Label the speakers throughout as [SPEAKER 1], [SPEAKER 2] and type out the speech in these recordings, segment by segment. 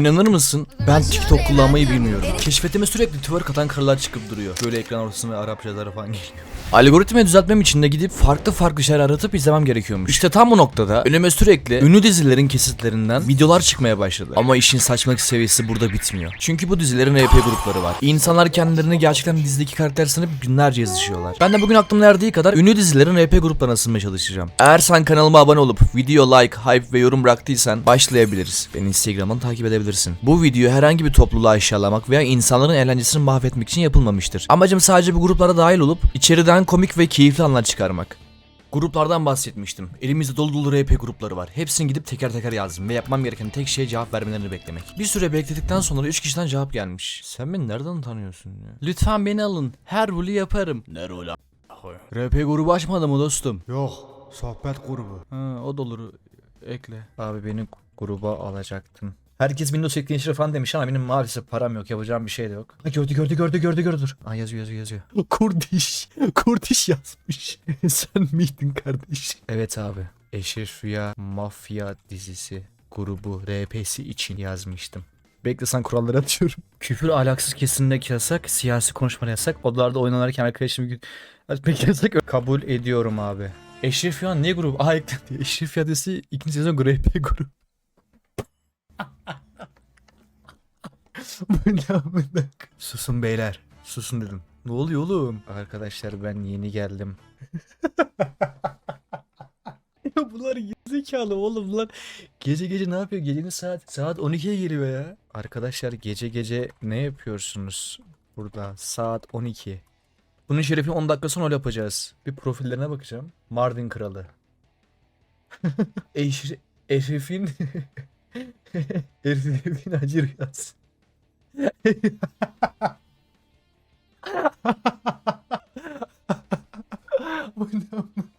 [SPEAKER 1] İnanır mısın? Ben TikTok kullanmayı bilmiyorum. Keşfetime sürekli twerk atan karılar çıkıp duruyor. Böyle ekran ortasına Arapçalar falan geliyor. Algoritmayı düzeltmem için de gidip farklı şeyler aratıp izlemem gerekiyormuş. İşte tam bu noktada önüme sürekli ünlü dizilerin kesitlerinden videolar çıkmaya başladı. Ama işin saçmalık seviyesi burada bitmiyor. Çünkü bu dizilerin RP grupları var. İnsanlar kendilerini gerçekten dizideki karakter sanıp günlerce yazışıyorlar. Ben de bugün aklımda erdiği kadar ünlü dizilerin RP gruplarına ısınmaya çalışacağım. Eğer sen kanalıma abone olup video like, hype ve yorum bıraktıysan başlayabiliriz. Beni Instagram'dan takip edebilirsin. Bu video herhangi bir topluluğu aşağılamak veya insanların eğlencesini mahvetmek için yapılmamıştır. Amacım sadece bu gruplara dahil olup içeriden komik ve keyifli anlar çıkarmak. Gruplardan bahsetmiştim. Elimizde dolu dolu RP grupları var. Hepsini gidip teker teker yazdım ve yapmam gereken tek şey cevap vermelerini beklemek. Bir süre bekledikten sonra 3 kişiden cevap gelmiş. Sen beni nereden tanıyorsun ya? Lütfen beni alın. Her rolü yaparım. Ne rolü RP grubu açmadı mı dostum?
[SPEAKER 2] Yok, sohbet grubu.
[SPEAKER 1] Ha, o da olur. Ekle. Abi beni gruba alacaktın. Herkes Windows ekleyin falan demiş ama benim maalesef param yok. Yapacağım bir şey de yok. Ha, gördü dur. Aa, yazıyor. Kurdiş yazmış. Sen miydin kardeş? Evet abi. Eşref Rüya Mafya dizisi grubu RP'si için yazmıştım. Bekle, sen kuralları atıyorum. Küfür ahlaksız kesinlikle yasak. Siyasi konuşmalar yasak. Odalarda oynanırken arkadaşım pek yasak. Kabul ediyorum abi. Eşref Rüya ne grubu? Aa, eklendi. Eşref Rüya dizisi ikinci sezon RP grubu. Susun beyler. Susun dedim. Ne oluyor oğlum? Arkadaşlar ben yeni geldim. Ya bunlar gerizekalı oğlum lan. Gece ne yapıyor? Gecenin saat 12'ye geliyor ya. Arkadaşlar gece ne yapıyorsunuz burada? Saat 12. Bunun şerefini 10 dakika sonra yapacağız. Bir profillerine bakacağım. Mardin Kralı. Eşref'in Eşref'in Hacı Rüyası. Bu ne?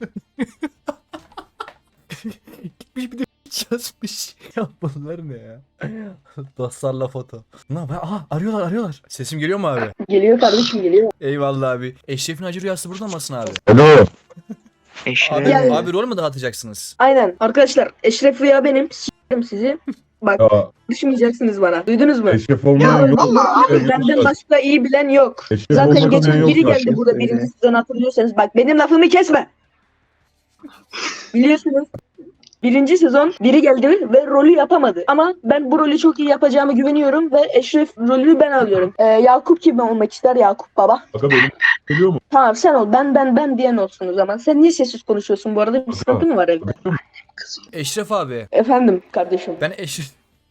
[SPEAKER 1] Gitmiş bir de yazmış. Ya bunlar ne ya? Dostlarla foto. Ne yapıyor? Aha, arıyorlar. Sesim geliyor mu abi?
[SPEAKER 3] Geliyor kardeşim, geliyor.
[SPEAKER 1] Eyvallah abi. Eşref'in Hacı Rüyası burada mısın abi?
[SPEAKER 4] Alo.
[SPEAKER 1] Abi,
[SPEAKER 3] Yani-
[SPEAKER 1] abi rol mü dağıtacaksınız?
[SPEAKER 3] Aynen. Arkadaşlar, Eşref Rüya benim. S**erim sizi. Bak,
[SPEAKER 4] Ya,
[SPEAKER 3] düşmeyeceksiniz bana. Duydunuz mu?
[SPEAKER 4] eşref olmayan yok.
[SPEAKER 3] Abi benden başka iyi bilen yok.
[SPEAKER 4] Eşref
[SPEAKER 3] Zaten
[SPEAKER 4] olmayan
[SPEAKER 3] geçen
[SPEAKER 4] yok
[SPEAKER 3] biri
[SPEAKER 4] zaten.
[SPEAKER 3] geldi burada birinci sezon, hatırlıyorsanız. Bak, benim lafımı kesme. Biliyorsunuz. Birinci sezon biri geldi ve rolü yapamadı. Ama ben bu rolü çok iyi yapacağımı güveniyorum ve Eşref rolünü ben alıyorum. Yakup kim olmak ister? Yakup baba.
[SPEAKER 4] Aga benim geliyor mu?
[SPEAKER 3] Tamam, sen ol. Ben diyen olsun o zaman. Sen niye sessiz konuşuyorsun bu arada? Bir sıkıntı mı var evde?
[SPEAKER 1] Eşref abi.
[SPEAKER 3] Efendim kardeşim.
[SPEAKER 1] Ben Eşref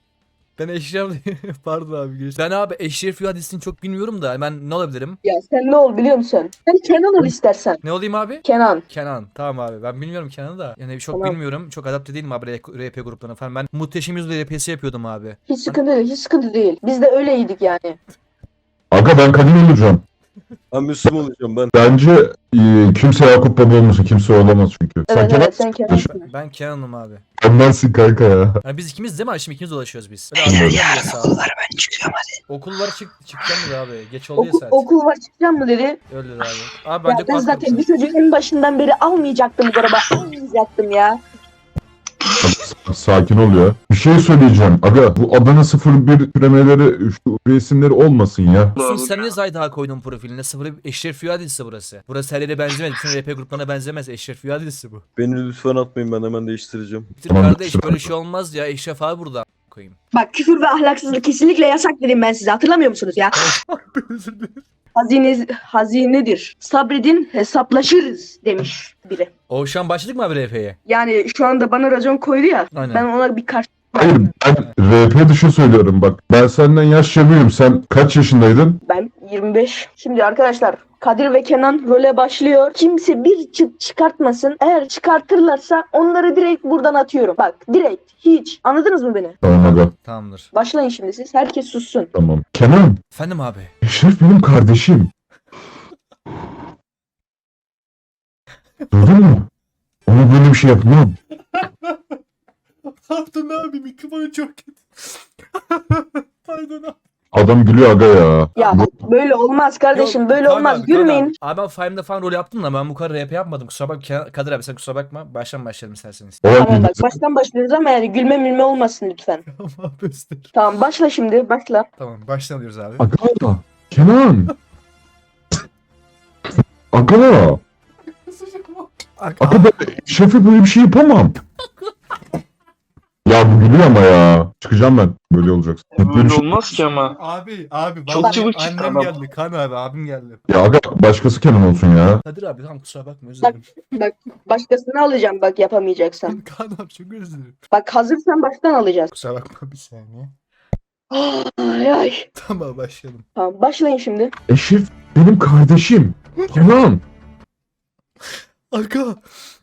[SPEAKER 1] pardon abi. Ben abi Eşref Rüya dizisini çok bilmiyorum da ben ne olabilirim?
[SPEAKER 3] Ya sen ne ol biliyor musun? Sen Kenan ol istersen.
[SPEAKER 1] Ne olayım abi?
[SPEAKER 3] Kenan.
[SPEAKER 1] Kenan. Tamam abi. Ben bilmiyorum Kenan'ı da. Yani çok
[SPEAKER 3] Tamam.
[SPEAKER 1] bilmiyorum. Çok adapte değilim abi RP gruplarına falan. Ben Muhteşem Yüzyıl RP'si yapıyordum abi.
[SPEAKER 3] Hiç sıkıntı değil. Biz de öyleydik yani.
[SPEAKER 4] Aga ben kadın olacağım.
[SPEAKER 5] Ben Müslüman olacağım ben.
[SPEAKER 4] Bence kimse Yakup Baba olmasın. Kimse olamaz çünkü.
[SPEAKER 3] Evet
[SPEAKER 4] Kenan
[SPEAKER 3] evet, sen Kenan'sın.
[SPEAKER 1] Ben Kenan'ım abi.
[SPEAKER 4] Kenan'sın kanka ya.
[SPEAKER 1] Yani biz ikimiz değil mi? Şimdi ikimiz dolaşıyoruz biz. Okullar ben çıkıyorum hadi. Okullar çıkacağım mı abi? Geç oldu ya saat.
[SPEAKER 3] Okul var, çıkacağım mı dedi.
[SPEAKER 1] Öyle dedi abi. Abi
[SPEAKER 3] Ya
[SPEAKER 1] bence
[SPEAKER 3] ben
[SPEAKER 1] pas
[SPEAKER 3] zaten bu
[SPEAKER 1] kapısı.
[SPEAKER 3] çocuğu en başından beri almayacaktım bu araba. Almayacaktım ya.
[SPEAKER 4] Sakin ol ya. Bir şey söyleyeceğim. Aga bu Adana 01 türemeleri şu resimleri olmasın ya.
[SPEAKER 1] Sen niye Zayda koydun profiline? Sıfır Eşref Rüya dizisi burası. Burası her yere benzemez. Bütün RP gruplarına benzemez. Eşref Rüya dizisi bu.
[SPEAKER 5] Beni lütfen atmayın, ben hemen değiştireceğim.
[SPEAKER 1] Bitir
[SPEAKER 4] Tamam,
[SPEAKER 1] kardeş,
[SPEAKER 4] kusura
[SPEAKER 1] böyle
[SPEAKER 4] bakma.
[SPEAKER 1] şey olmaz ya. Eşref abi burada koyayım.
[SPEAKER 3] Bak, küfür ve ahlaksızlık kesinlikle yasak dedim ben size. Hatırlamıyor musunuz ya? Hazinedir. Sabredin, hesaplaşırız demiş biri.
[SPEAKER 1] Oğuzhan başladık mı abi RP'ye?
[SPEAKER 3] Yani şu anda bana racon koydu ya.
[SPEAKER 1] Aynen.
[SPEAKER 3] Ben ona bir karşı...
[SPEAKER 4] Hayır ben RP dışı söylüyorum bak. Ben senden yaşça büyüğüm. Sen kaç yaşındaydın?
[SPEAKER 3] Ben 25. Şimdi arkadaşlar, Kadir ve Kenan role başlıyor. Kimse bir çıt çıkartmasın. Eğer çıkartırlarsa onları direkt buradan atıyorum. Bak, direkt. Hiç. Anladınız mı beni?
[SPEAKER 4] Tamam aga.
[SPEAKER 1] Tamamdır.
[SPEAKER 3] Başlayın şimdi siz. Herkes sussun.
[SPEAKER 4] Tamam. Kenan.
[SPEAKER 1] Efendim abi.
[SPEAKER 4] Eşref benim kardeşim. Duydun mu? Ona böyle bir şey yapmam.
[SPEAKER 1] Pardon abi, mikrofonu çok kötü. Pardon abi.
[SPEAKER 4] Adam gülüyor aga ya.
[SPEAKER 3] Ya böyle olmaz kardeşim,
[SPEAKER 1] Yok,
[SPEAKER 3] böyle
[SPEAKER 1] Kaan
[SPEAKER 3] olmaz.
[SPEAKER 1] abi, Kaan
[SPEAKER 3] Gülmeyin.
[SPEAKER 1] Abi ben Five'da falan rol yaptım da ben bu kadar rap yapmadım. Kusura bakma Kadir abi, sen kusura bakma. Baştan başlayalım isterseniz.
[SPEAKER 3] Tamam bak, baştan başlıyoruz ama yani gülme mülme olmasın lütfen.
[SPEAKER 1] Tamam göster.
[SPEAKER 3] Tamam, başla şimdi, başla.
[SPEAKER 1] Tamam baştan alıyoruz abi.
[SPEAKER 4] Aga. Kenan. Aga. Aga ben şefe böyle bir şey yapamam. Ya bu gülüyor ama ya. Çıkacağım ben. Böyle olacaksın. Böyle bir
[SPEAKER 6] Böyle
[SPEAKER 4] şey-
[SPEAKER 6] olmaz ki ama.
[SPEAKER 1] Abi
[SPEAKER 6] Çok
[SPEAKER 1] vallahi
[SPEAKER 6] çabuk çıktı
[SPEAKER 1] annem
[SPEAKER 6] adam.
[SPEAKER 1] geldi. Kaan abi abim geldi.
[SPEAKER 4] Ya aga başkası Kenan olsun ya.
[SPEAKER 1] Kadir abi tamam kusura bakma, özür dilerim.
[SPEAKER 3] Bak, başkasını alacağım bak, yapamayacaksan.
[SPEAKER 1] Kaan abi çok özür dilerim.
[SPEAKER 3] Bak, hazırsan baştan alacağız.
[SPEAKER 1] Kusura bakma bir saniye.
[SPEAKER 3] Ay ay.
[SPEAKER 1] Tamam başlayalım.
[SPEAKER 3] Tamam, başlayın şimdi.
[SPEAKER 4] Eşref benim kardeşim. Kenan.
[SPEAKER 1] Aga.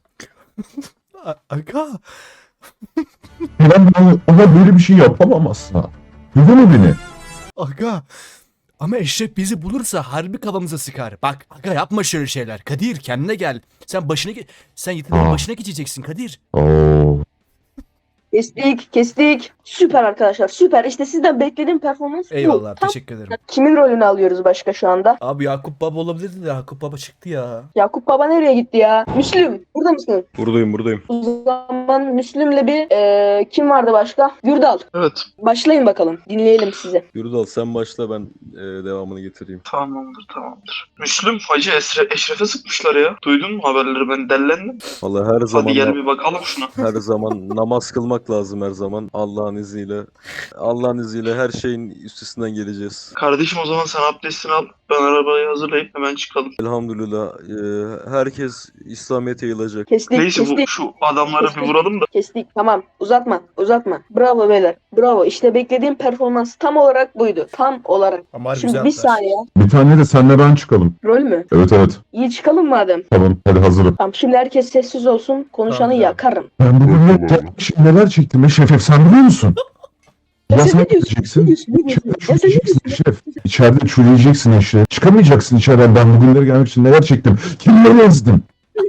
[SPEAKER 1] Aga.
[SPEAKER 4] Kenan ona böyle bir şey yapamam asla. Duydun mu beni?
[SPEAKER 1] Aga. Ama Eşref bizi bulursa harbi kafamıza sıkar. Bak aga, yapma şöyle şeyler. Kadir kendine gel. Sen yeteneğin
[SPEAKER 4] Aa.
[SPEAKER 1] başına geçeceksin Kadir.
[SPEAKER 4] Oo.
[SPEAKER 3] Kestik. Süper arkadaşlar, süper. İşte sizden beklediğim performans bu.
[SPEAKER 1] Eyvallah
[SPEAKER 3] Tam-
[SPEAKER 1] teşekkür ederim.
[SPEAKER 3] Kimin rolünü alıyoruz başka şu anda?
[SPEAKER 1] Abi Yakup Baba olabilirdi de Yakup Baba çıktı ya.
[SPEAKER 3] Yakup Baba nereye gitti ya? Müslüm, burada mısın?
[SPEAKER 5] Buradayım.
[SPEAKER 3] O zaman Müslüm'le bir kim vardı başka? Gürdal.
[SPEAKER 6] Evet.
[SPEAKER 3] Başlayın bakalım. Dinleyelim sizi.
[SPEAKER 5] Yurdal sen başla, ben devamını getireyim.
[SPEAKER 6] Tamamdır. Müslüm Hacı Eşref'e sıkmışlar ya. Duydun mu haberleri? Ben dellendim.
[SPEAKER 5] Vallahi her zaman
[SPEAKER 6] Hadi gel bir bakalım şuna.
[SPEAKER 5] her zaman namaz kılmak lazım her zaman. Allah'ın izniyle her şeyin üstesinden geleceğiz.
[SPEAKER 6] Kardeşim o zaman sen abdestini al. Ben arabayı hazırlayıp hemen çıkalım.
[SPEAKER 5] Elhamdülillah herkes İslamiyet'e yayılacak.
[SPEAKER 3] Kestik,
[SPEAKER 6] Neyse
[SPEAKER 3] kestik.
[SPEAKER 6] şu adamları bir vuralım da.
[SPEAKER 3] Kestik. Tamam. Uzatma. Bravo beyler. Bravo. İşte beklediğim performans tam olarak buydu. Tam olarak.
[SPEAKER 1] Ama harbi
[SPEAKER 3] Şimdi
[SPEAKER 1] güzel
[SPEAKER 3] bir
[SPEAKER 1] atlar.
[SPEAKER 3] saniye.
[SPEAKER 4] Bir tane de senle ben çıkalım.
[SPEAKER 3] Rol mü?
[SPEAKER 4] Evet.
[SPEAKER 3] İyi çıkalım madem.
[SPEAKER 4] Tamam hadi hazırım.
[SPEAKER 3] Tamam, şimdi herkes sessiz olsun. Konuşanı
[SPEAKER 1] Tamam, tamam.
[SPEAKER 3] yakarım.
[SPEAKER 4] Ben bugün neler çektim Eşref sen biliyor musun?
[SPEAKER 3] Ya
[SPEAKER 4] Ya
[SPEAKER 3] sen
[SPEAKER 4] sen
[SPEAKER 3] ne diyorsun?
[SPEAKER 4] gideceksin.
[SPEAKER 3] Ne diyorsun? Ne diyorsun?
[SPEAKER 4] İçeride
[SPEAKER 3] Ya sen ne
[SPEAKER 4] çürüyeceksin
[SPEAKER 3] diyorsun?
[SPEAKER 4] Eşref. İçeride çürüyeceksin Eşref. Çıkamayacaksın içeriden. Ben bugünlere gelmek için neler çektim. Kimleri ezdim.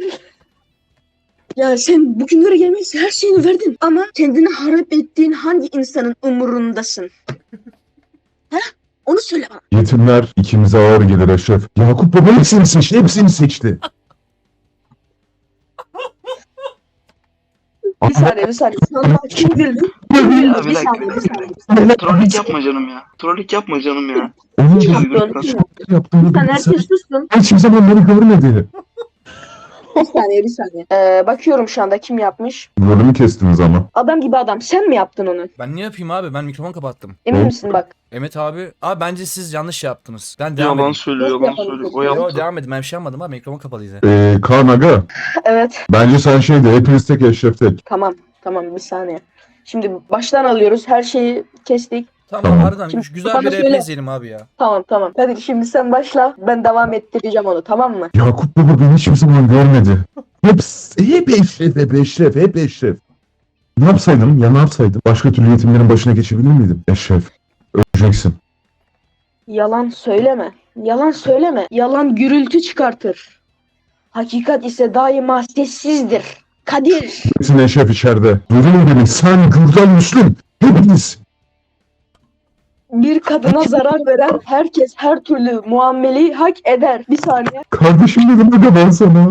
[SPEAKER 3] Ya sen bugünlere gelmek için her şeyini verdin. Ama kendini harap ettiğin hangi insanın umurundasın? Ha? Onu söyle bana.
[SPEAKER 4] Yetimler ikimize ağır gelir Eşref. Yakup Baba hepsini seçti. Hepsini seçti.
[SPEAKER 3] Bir saniye. Sana kim güldü?
[SPEAKER 6] Ya
[SPEAKER 3] Bir saniye.
[SPEAKER 6] Trollük yapma canım ya.
[SPEAKER 4] Onun
[SPEAKER 3] Kim
[SPEAKER 4] da
[SPEAKER 3] yaptı? Kim yaptı?
[SPEAKER 4] yaptığını
[SPEAKER 3] Sen
[SPEAKER 4] bilirsen
[SPEAKER 3] herkes sussun.
[SPEAKER 4] hiçbir zaman beni görmedi.
[SPEAKER 3] Bir saniye. Bakıyorum şu anda kim yapmış.
[SPEAKER 4] Rolümü kestiniz ama.
[SPEAKER 3] Adam gibi adam. Sen mi yaptın onu?
[SPEAKER 1] Ben ne yapayım abi, ben mikrofon kapattım.
[SPEAKER 3] Emin
[SPEAKER 4] Hı?
[SPEAKER 3] misin bak?
[SPEAKER 1] Mehmet abi bence siz yanlış yaptınız. Ben devam
[SPEAKER 6] Yalan
[SPEAKER 1] edin.
[SPEAKER 6] söylüyor. O
[SPEAKER 1] Yo
[SPEAKER 6] yaptı.
[SPEAKER 1] devam edin, ben bir şey yapmadım abi, mikrofon kapalıydı.
[SPEAKER 4] Kaan Aga.
[SPEAKER 3] Evet.
[SPEAKER 4] Bence sen şeyde hepiniz tek Eşref tek.
[SPEAKER 3] Tamam. Bir saniye. Şimdi baştan alıyoruz. Her şeyi kestik.
[SPEAKER 1] Tamam
[SPEAKER 4] Tamam.
[SPEAKER 1] harbiden
[SPEAKER 3] Şimdi
[SPEAKER 1] güzel
[SPEAKER 3] bana
[SPEAKER 1] bir
[SPEAKER 3] söyle.
[SPEAKER 1] rap izleyelim abi ya.
[SPEAKER 3] Tamam. Hadi şimdi sen başla. Ben devam ettireceğim onu, tamam mı?
[SPEAKER 4] Yakup Baba beni hiçbir zaman görmedi. Hep Eşref. Ne yapsaydım? Başka türlü yetimlerin başına geçebilir miydim? Eşref. Öleceksin.
[SPEAKER 3] Yalan söyleme. Yalan gürültü çıkartır. Hakikat ise daima sessizdir. Kadir.
[SPEAKER 4] Hepsin Eşref içeride. Duydun beni. Sen, Gürdal, Müslüm. Hepiniz.
[SPEAKER 3] Bir kadına zarar veren herkes her türlü muameleyi hak eder. Bir saniye.
[SPEAKER 4] Kardeşim dedim aga ben sana.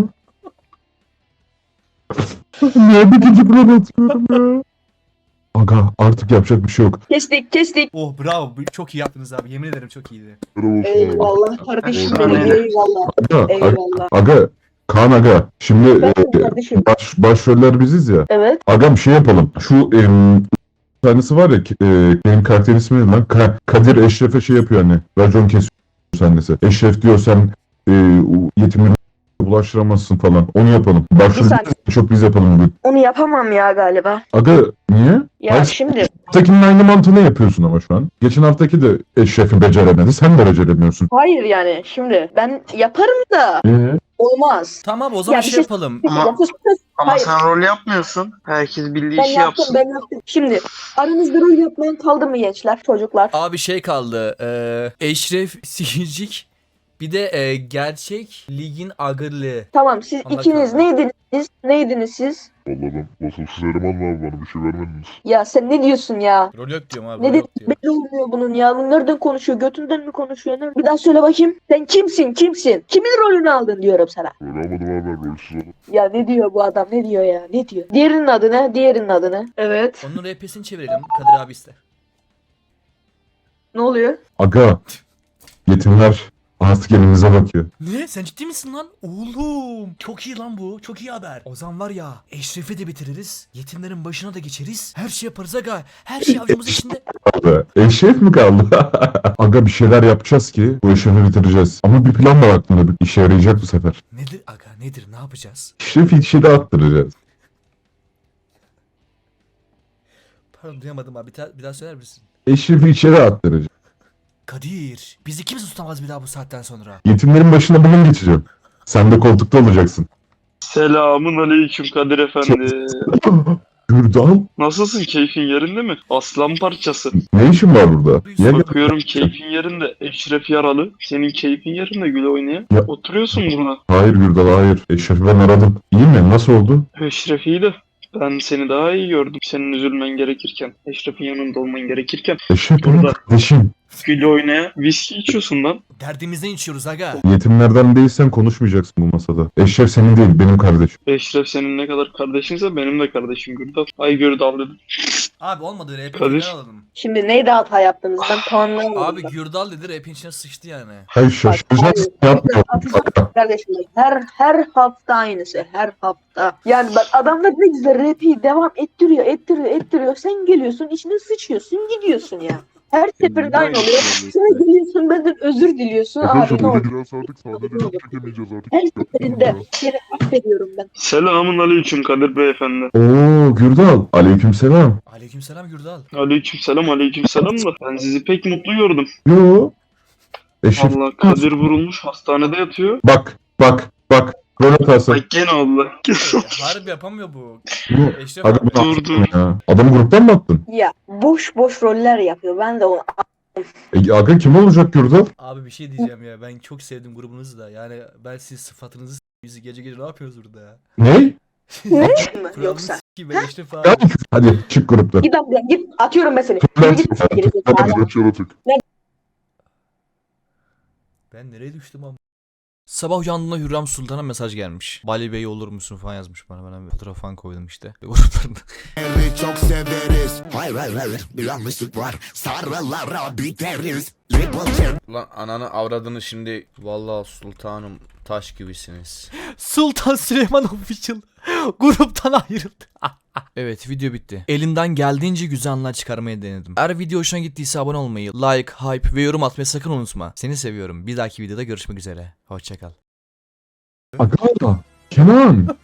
[SPEAKER 4] Nerede ikinci plan atıyorum ya? Aga artık yapacak bir şey yok.
[SPEAKER 3] Kestik.
[SPEAKER 1] Oh bravo, çok iyi yaptınız abi, yemin ederim çok iyiydi.
[SPEAKER 3] Eyvallah kardeşim
[SPEAKER 4] Bravo.
[SPEAKER 3] benim. Eyvallah. Eyvallah.
[SPEAKER 4] Aga. Kaan Aga. Şimdi
[SPEAKER 3] Ben kardeşim.
[SPEAKER 4] başroller biziz ya.
[SPEAKER 3] Evet.
[SPEAKER 4] Agam şey yapalım. Şu tanesi var ya benim karakterin ismi ne lan? Kadir Eşref'e şey yapıyor hani. Racon kesiyor sahnesi. Eşref diyor sen yetimleri bulaştıramazsın falan. Onu yapalım. Başrolü
[SPEAKER 3] saniye.
[SPEAKER 4] çok biz yapalım bugün.
[SPEAKER 3] Onu yapamam ya galiba.
[SPEAKER 4] Aga niye?
[SPEAKER 3] Ya
[SPEAKER 4] Hayır,
[SPEAKER 3] şimdi
[SPEAKER 4] haftakinin aynı mantığını yapıyorsun ama şu an. Geçen haftaki de Eşref'i beceremedi. Sen de beceremiyorsun.
[SPEAKER 3] hayır yani şimdi ben yaparım da olmaz.
[SPEAKER 1] Tamam o zaman
[SPEAKER 3] Ya bir
[SPEAKER 1] şey
[SPEAKER 3] şey-
[SPEAKER 1] yapalım.
[SPEAKER 6] Ama-
[SPEAKER 3] Ya sus.
[SPEAKER 6] Ama
[SPEAKER 3] Hayır.
[SPEAKER 6] sen rol yapmıyorsun. Herkes bildiği
[SPEAKER 3] Ben
[SPEAKER 6] işi
[SPEAKER 3] yaptım.
[SPEAKER 6] yapsın.
[SPEAKER 3] Şimdi aranızda rol yapmayan kaldı mı gençler, çocuklar?
[SPEAKER 1] Abi şey kaldı. Eşref, Sihircik, Bir de gerçek ligin agırlığı.
[SPEAKER 3] Tamam siz
[SPEAKER 1] Allah
[SPEAKER 3] ikiniz
[SPEAKER 1] kahretsin.
[SPEAKER 3] neydiniz? Neydiniz siz?
[SPEAKER 4] Vallahi ben vasıfsız eleman abi, bana bir şey vermediniz.
[SPEAKER 3] Ya sen ne diyorsun ya?
[SPEAKER 1] Rol yok diyorum abi.
[SPEAKER 3] Ne
[SPEAKER 1] Rol
[SPEAKER 3] dedi?
[SPEAKER 1] yok diyorum.
[SPEAKER 3] Belli olmuyor bunun ya. Bu nereden konuşuyor? Götünden mi konuşuyor? Bir daha söyle bakayım. Sen kimsin? Kimsin? Kimin rolünü aldın diyorum sana.
[SPEAKER 4] Böyle almadım abi, ben rolsüz oldum.
[SPEAKER 3] Ya ne diyor bu adam? Ne diyor ya? Ne diyor? Diğerinin adı ne? Diğerinin adı ne? Evet.
[SPEAKER 1] Onun RP'sini çevirelim. Kadir abi ister.
[SPEAKER 3] Ne oluyor?
[SPEAKER 4] Aga, yetimler artık elimize bakıyor.
[SPEAKER 1] Ne? Sen ciddi misin lan? Oğlum. Çok iyi lan bu. Çok iyi haber. O zaman var ya, Eşref'i de bitiririz. Yetimlerin başına da geçeriz. Her şey yaparız aga. Her şey avucumuz içinde.
[SPEAKER 4] Abi, eşref mi kaldı? Aga, bir şeyler yapacağız ki bu eşrefi bitireceğiz. Ama bir plan var aklımda, bir işe yarayacak bu sefer.
[SPEAKER 1] Nedir aga? Nedir? Ne yapacağız?
[SPEAKER 4] Eşrefi içeri attıracağız.
[SPEAKER 1] Pardon duyamadım abi. Bir daha söyler misin?
[SPEAKER 4] Eşrefi içeri attıracağız.
[SPEAKER 1] Kadir. Bizi kimse tutamaz bir daha bu saatten sonra.
[SPEAKER 4] Yetimlerin başına bunun geçeceğim. Sen de koltukta olacaksın.
[SPEAKER 6] Selamun aleyküm Kadir efendi.
[SPEAKER 4] Gürdal,
[SPEAKER 6] Nasılsın? Keyfin yerinde mi? Aslan parçası.
[SPEAKER 4] ne işin var burada? Niye gel-
[SPEAKER 6] Bakıyorum keyfin yerinde. Eşref yaralı. Senin keyfin yerinde güle oynaya.
[SPEAKER 4] Ya-
[SPEAKER 6] Oturuyorsun burada.
[SPEAKER 4] Hayır Gürdal, hayır. Eşref'i ben aradım. İyi mi? Nasıl oldu?
[SPEAKER 6] Eşref iyi de. Ben seni daha iyi gördüm. Senin üzülmen gerekirken. Eşref'in yanında olman gerekirken.
[SPEAKER 4] Eşref benim
[SPEAKER 6] Burada.
[SPEAKER 4] kardeşim.
[SPEAKER 6] Güle oynaya viski içiyorsun lan.
[SPEAKER 1] Derdimizden içiyoruz aga.
[SPEAKER 4] Yetimlerden değilsen konuşmayacaksın bu masada. Eşref senin değil, benim kardeşim.
[SPEAKER 6] Eşref senin ne kadar kardeşinse benim de kardeşim Gürdal. Ay Gürdal dedim.
[SPEAKER 1] Abi olmadı RP
[SPEAKER 6] Kadir.
[SPEAKER 1] tekrar alalım.
[SPEAKER 3] Şimdi neydi hata yaptınız? Ben tamamlayamadım.
[SPEAKER 1] Abi Gürdal dedi RP'nin içine sıçtı yani.
[SPEAKER 4] Hayır, şaşıracaksın. Yapma.
[SPEAKER 3] Kardeşim bak, her hafta aynısı. Her hafta. Yani bak adamlar ne güzel rapi devam ettiriyor. Sen geliyorsun içine sıçıyorsun gidiyorsun ya. Her seferinde aynı oluyor. Sonra geliyorsun benden özür diliyorsun. Abi ne oldu?
[SPEAKER 4] biraz artık sahneleri çekemeyeceğiz artık.
[SPEAKER 3] Her seferinde seni affediyorum ben.
[SPEAKER 6] Selamun aleyküm Kadir beyefendi.
[SPEAKER 4] Oo Gürdal, aleykümselam.
[SPEAKER 1] Aleykümselam Gürdal.
[SPEAKER 6] Aleykümselam da ben sizi pek mutlu gördüm.
[SPEAKER 4] Yo. Eşref,
[SPEAKER 6] Allah Kadir vurulmuş hastanede yatıyor.
[SPEAKER 4] bak. Rol hatası.
[SPEAKER 6] Ay gene oldu.
[SPEAKER 1] Harbi yapamıyor bu.
[SPEAKER 4] Bu.
[SPEAKER 1] Eşref
[SPEAKER 4] Aga
[SPEAKER 1] abi.
[SPEAKER 4] bunu
[SPEAKER 6] Dur.
[SPEAKER 4] attın ya. Adamı gruptan mı attın?
[SPEAKER 3] Ya boş roller yapıyor. Ben de onu
[SPEAKER 4] Aga kim olacak Gürdal?
[SPEAKER 1] Abi bir şey diyeceğim ya. Ben çok sevdim grubunuzu da. Yani ben siz sıfatınızı bizi gece gece ne yapıyoruz burada ya?
[SPEAKER 4] Ne?
[SPEAKER 1] Kuralını
[SPEAKER 3] yoksa.
[SPEAKER 1] s**eyim ben Eşref abi.
[SPEAKER 4] Hadi çık gruptan.
[SPEAKER 3] git abi git atıyorum ben seni.
[SPEAKER 4] Ben
[SPEAKER 3] Yürü git. Geri zekalı.
[SPEAKER 1] Ben nereye düştüm ama? Sabah uyandığımda Hürrem Sultan'a mesaj gelmiş. Bali Bey olur musun falan yazmış bana. Ben bir fotoğraf falan koydum işte. Gruplarında.
[SPEAKER 7] Çok severiz. Hayır bir yanlışlık var. Sarılara biteriz.
[SPEAKER 8] Lan ananı avradını şimdi vallahi sultanım taş gibisiniz.
[SPEAKER 1] Sultan Süleyman Official gruptan ayrıldı. Evet video bitti. Elimden geldiğince güzel anlar çıkarmaya denedim. Eğer video hoşuna gittiyse abone olmayı, like, hype ve yorum atmayı sakın unutma. Seni seviyorum. Bir dahaki videoda görüşmek üzere. Hoşçakal.
[SPEAKER 4] Aga. Kenan.